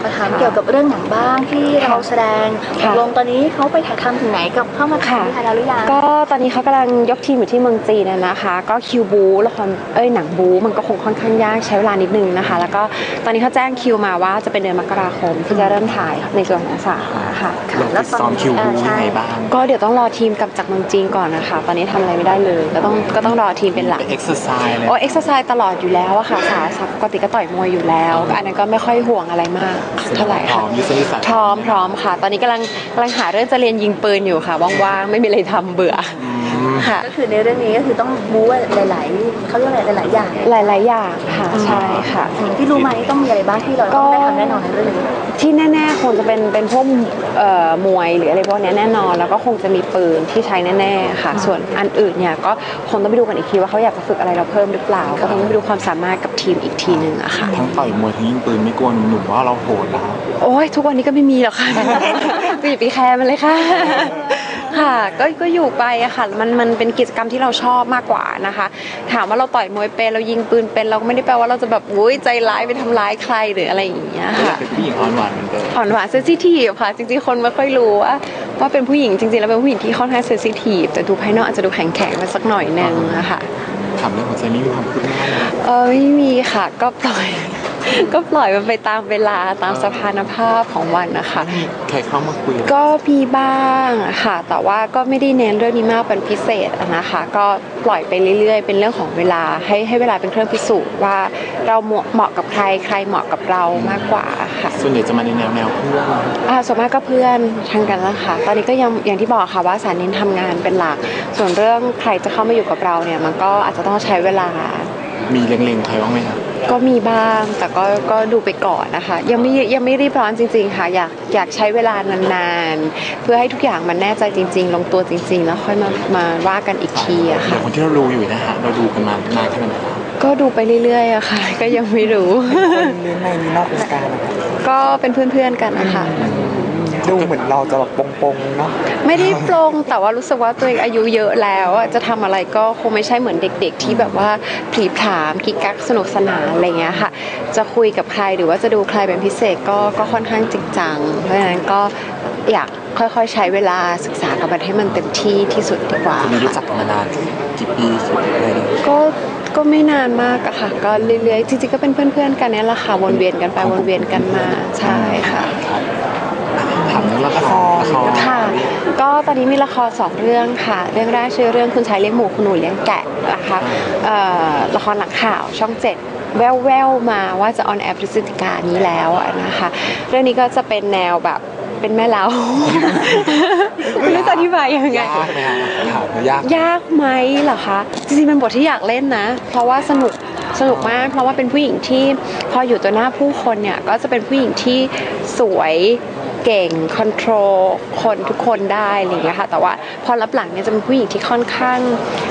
มาถามเกี่ยวกับเรื่องหนังบ้างที่เราแสดงลงตอนนี้เขาไปถ่ายทำถึงไหนกับเข้ามาถ่ายที่ไทยแล้วหรือยังก็ตอนนี้เขากำลังยกทีมอยู่ที่เมืองจีนนะคะก็คิวบูละครหนังบูมันก็คงค่อนข้างยากใช้เวลานิดนึงนะคะแล้วก็ตอนนี้เขาแจ้งคิวมาว่าจะเป็นเดือนมกราคมที่จะเริ่มถ่ายในส่วนของสาค่ะแล้วซ้อมคิวบูยังไงบ้างก็เดี๋ยวต้องรอทีมกลับจากเมืองจีนก่อนนะคะตอนนี้ทำอะไรไม่ได้เลยก็ต้องรอทีมเป็นหลักเอ็กซ์ไซส์เลยเอ็กซ์ไซส์ตลอดอยู่แล้วอะค่ะปกติก็ต่อยมวยอยู่แล้วอันนั้นก็ไม่ค่อยห่วงอะไรมากเท่าไหร่ค่ะพร้อมค่ะตอนนี้กำลังหาเรื่องจะเรียนยิงปืนอยู่ค่ะว่างๆไม่มีอะไรทำเบื่อค่ะก็คือในเรื่องนี้ก็คือต้องบู๊หลายๆเขาเรียกอะไรหลายๆอย่างหลายอย่างค่ะใช่ค่ะที่รู้มานี่ต้องมีอะไรบ้างที่เราต้องได้ทำแน่นอนในเรื่องนี้ที่แน่ๆคงจะเป็นพวกมวยหรืออะไรพวกนี้แน่นอนแล้วก็คงจะมีปืนที่ใช้แน่ๆค่ะส่วนอันอื่นเนี่ยก็คงต้องไปดูกันอีกทีว่าเขาอยากจะฝึกอะไรเราเพิ่มหรือเปล่าก็ต้องไปดูความสามารถกับทีมอีกทีนึงอะค่ะทั้งต่อยมวยทั้งยิงปืนไม่กลัวหนุ่มๆว่าเราโหดแล้วโอ้ยทุกวันนี้ก็ไม่มีหรอกค่ะก็อย่าไปแคร์มันเลยค่ะค่ะก็อยู่ไปอะค่ะมันเป็นกิจกรรมที่เราชอบมากกว่านะคะถามว่าเราต่อยมวยเป็นเรายิงปืนเป็นเราก็ไม่ได้แปลว่าเราจะแบบอุ้ยใจร้ายไปทำร้ายใครหรืออะไรอย่างเงี้ยค่ะเป็นผู้หญิงอ่อนหวานเหมือนเดิมอ่อนหวานเซนซิทีฟค่ะจริงๆคนไม่ค่อยรู้ว่าเป็นผู้หญิงจริงๆแล้วเป็นผู้หญิงที่ค่อนข้างเซนซิทีฟแต่ดูภายนอกอาจจะดูแข็งๆมาสักหน่อยนึงอะค่ะถามเรื่องหัวใจนี่มีความคืบหน้าไหมไม่มีค่ะก็ปล่อยมันไปตามเวลาตามสถานภาพของวันนะคะใครเข้ามาคุยก็มีบ้างค่ะแต่ว่าก็ไม่ได้เน้นเรื่องนี้มากเป็นพิเศษนะคะก็ปล่อยไปเรื่อยๆเป็นเรื่องของเวลาให้เวลาเป็นเครื่องพิสูจน์ว่าเราเหมาะกับใครเหมาะกับเรามากกว่าค่ะส่วนใหญ่จะมาในแนวเพื่อนส่วนมากก็เพื่อนทางกันละค่ะตอนนี้ก็ยังอย่างที่บอกค่ะว่าสารเน้นทำงานเป็นหลักส่วนเรื่องใครจะเข้ามาอยู่กับเราเนี่ยมันก็อาจจะต้องใช้เวลามีเล็งๆใครบ้างไหมครับก็มีบ้างแต่ก็ดูไปก่อนนะคะยังไม่รีบร้อนจริงๆค่ะอยากใช้เวลานานๆเพื่อให้ทุกอย่างมันแน่ใจจริงๆลงตัวจริงๆแล้วค่อยมาว่ากันอีกทีอะค่ะคนที่เราดูอยู่นะฮะเราดูกันมานานแค่ไหนก็ดูไปเรื่อยๆอะค่ะก็ยังไม่รู้คนเรื่องในนี้นอกวงการนะคะก็เป็นเพื่อนๆกันนะคะดูเหมือนเราจะแบบปงๆเนาะไม่ได้ปลงแต่ว่ารู้สึกว่าตัวเองอายุเยอะแล้วจะทำอะไรก็คงไม่ใช่เหมือนเด็กๆที่แบบว่าผลีผลามกิ๊กกักสนุกสนานอะไรเงี้ยค่ะจะคุยกับใครหรือว่าจะดูใครเป็นพิเศษก็ค่อนข้างจริงจังเพราะฉะนั้นก็อยากค่อยๆใช้เวลาศึกษากับมันให้มันเต็มที่สุดดีกว่าคุณรู้จักมานานกี่ปีเลยก็ไม่นานมากอะค่ะก็เรื่อยๆจริงๆก็เป็นเพื่อนๆกันนี่แหละค่ะวนเวียนกันไปวนเวียนกันมาใช่ค่ะถามเรื่องละครค่ะก็ตอนนี้มีละคร2เรื่องค่ะเรื่องแรกชื่อเรื่องคุณชายเลี้ยงหมูคุณหนูเลี้ยงแกะนะคะละครหลังข่าวช่อง7แววมาว่าจะออนแอร์พฤศจิกายนนี้แล้วนะคะเรื่องนี้ก็จะเป็นแนวแบบเป็นแม่เล้าไม่รู้จะอธิบายยังไงยากไหมเหรอคะจริงๆเป็นบทที่อยากเล่นนะเพราะว่าสนุกมากเพราะว่าเป็นผู้หญิงที่พออยู่ต่อหน้าผู้คนเนี่ยก็จะเป็นผู้หญิงที่สวยเก่งคอนโทรลคนทุกคนได้อะไรอย่างเงี้ยค่ะแต่ว่าพอรับหลังเนี่ยจะเป็นผู้หญิงที่ค่อนข้าง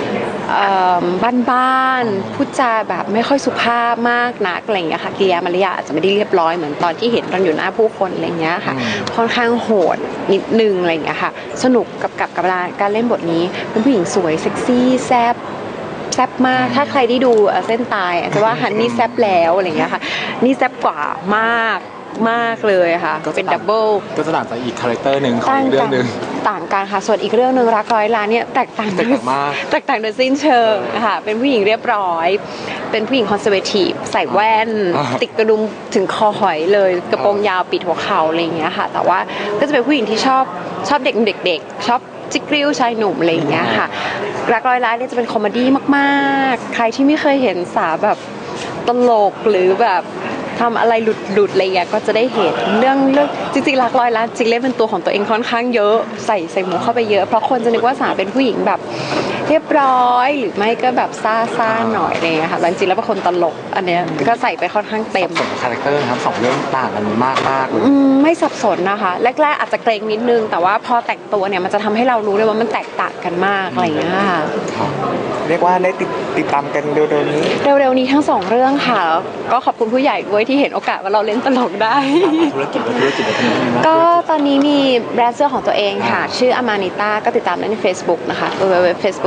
บ้านๆพูดจาแบบไม่ค่อยสุภาพมากนักอะไรอย่างเงี้ยค่ะกิริยามารยาทอาจจะไม่ได้เรียบร้อยเหมือนตอนที่เห็นตอนอยู่หน้าผู้คนอะไรอย่างเงี้ยค่ะค่อนข้างโหดนิดนึงอะไรอย่างเงี้ยค่ะสนุกกับการเล่นบทนี้เป็นผู้หญิงสวยเซ็กซี่แซ่บมากถ้าใครได้ดูเส้นตายจะว่าฮันนี่แซ่บแล้วอะไรอย่างเงี้ยค่ะนี่แซ่บกว่ามากเลยค่ะเป็นดับเบิลก็จะต่างจากอีกคาแรคเตอร์หนึ่งของอีกเรื่องหนึ่งต่างกันค่ะส่วนอีกเรื่องหนึ่งรักร้อยล้านเนี่ยแตกต่างมากแตกต่างโดยสิ้นเชิงค่ะเป็นผู้หญิงเรียบร้อยเป็นผู้หญิงคอนเซอร์เวทีฟใส่แว่นติดกระดุมถึงคอหอยเลยกระโปรงยาวปิดหัวเข่าอะไรอย่างเงี้ยค่ะแต่ว่าก็จะเป็นผู้หญิงที่ชอบเด็กชอบจิกริ้วชายหนุ่มอะไรอย่างเงี้ยค่ะรักร้อยล้านเนี่ยจะเป็นคอมเมดี้มากๆใครที่ไม่เคยเห็นสาวแบบตลกหรือแบบทำอะไรหลุดอะไรอย่างเงี้ยก็จะได้เห็นเรื่องจริงๆรักร้อยล้านจริงเล่นเป็นตัวของตัวเองค่อนข้างเยอะใส่หมูเข้าไปเยอะเพราะคนจะนึกว่าสาวเป็นผู้หญิงแบบเรียบร้อยหรือไม่ก็แบบซ่าหน่อยอะไรอย่างเงี้ยค่ะจริงๆแล้วเป็นคนตลกอันเนี้ยก็ใส่ไปค่อนข้างเต็มสมคาแรคเตอร์ครับ2เรื่องต่างกันมากเลยไม่สับสนนะคะแรกๆอาจจะเกรงนิดนึงแต่ว่าพอแต่งตัวเนี่ยมันจะทำให้เรารู้เลยว่ามันแตกต่างกันมากอะไรอย่างเงี้ยค่ะเรียกว่าได้ติดตามกันเร็วๆนี้ทั้ง2เรื่องค่ะก็ขอบคุณผู้ใหญ่ด้วยที่เห็นโอกาสว่าเราเล่นตลกได้ธุรกิจก็ตอนนี้มีแบรนด์เสื้อของตัวเองค่ะชื่ออามานิต้าก็ติดตามได้ใน Facebook นะคะwww.facebook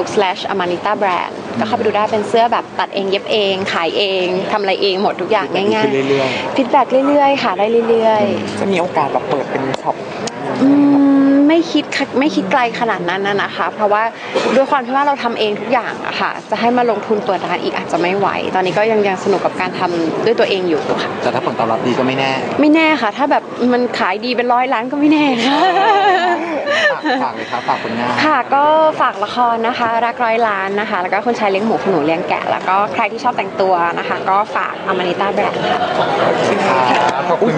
facebook/amanita brand ก็เข้าไปดูได้เป็นเสื้อแบบตัดเองเย็บเองขายเองทำอะไรเองหมดทุกอย่างง่ายขึ้นเรื่อยๆฟีดแบ็กเรื่อยๆค่ะได้เรื่อยๆจะมีโอกาสแบบเปิดเป็นช็อปไม่คิดไกลขนาดนั้นนะคะ เพราะว่าด้วยความที่ว่าเราทำเองทุกอย่างอะค่ะจะให้มาลงทุนเปิดร้านอีกอาจจะไม่ไหวตอนนี้ก็ยังสนุกกับการทำด้วยตัวเองอยู่ค่ะๆแต่ถ้าผลตอบรับดีก็ไม่แน่ไม่แน่ค่ะ ถ้าแบบมันขายดีเป็น100 ล้านก็ไม่แน่ค่ะฝากเลยครับฝากผลงานค่ะก็ฝากละครนะคะรัก100 ล้านนะคะแล้วก็คนชายเลี้ยงหมูขนูเลี้ยงแกะแล้วก็ใครที่ชอบแต่งตัวนะคะ ก็ฝาก Amanita Brand ค่ะขอบคุณ